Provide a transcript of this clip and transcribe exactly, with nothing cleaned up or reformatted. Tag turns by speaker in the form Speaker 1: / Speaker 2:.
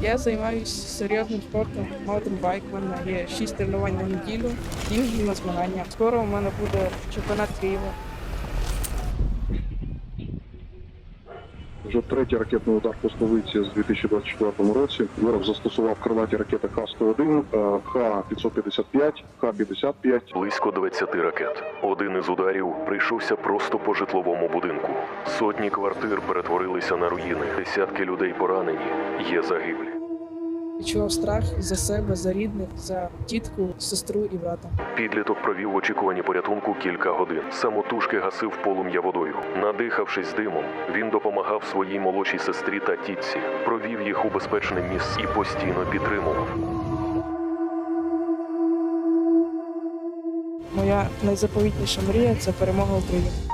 Speaker 1: Я займаюся серйозним спортом, маунтенбайк. У мене є шість тренувань на неділю, їжджу на змагання. Скоро у мене буде чемпіонат Києва.
Speaker 2: Вже третій ракетний удар по столиці з дві тисячі двадцять четвертому році. Ворог застосував крилаті ракети Х сто один, Х п'ятсот п'ятдесят п'ять, Х п'ятдесят п'ять.
Speaker 3: Близько двадцяти ракет. Один із ударів прийшовся просто по житловому будинку. Сотні квартир перетворилися на руїни. Десятки людей поранені. Є загиблі.
Speaker 1: Відчував страх за себе, за рідних, за тітку, сестру і брата.
Speaker 3: Підліток провів в очікуванні порятунку кілька годин. Самотужки гасив полум'я водою. Надихавшись димом, він допомагав своїй молодшій сестрі та тітці. Провів їх у безпечне місце і постійно підтримував.
Speaker 1: Моя найзаповітніша мрія – це перемога України.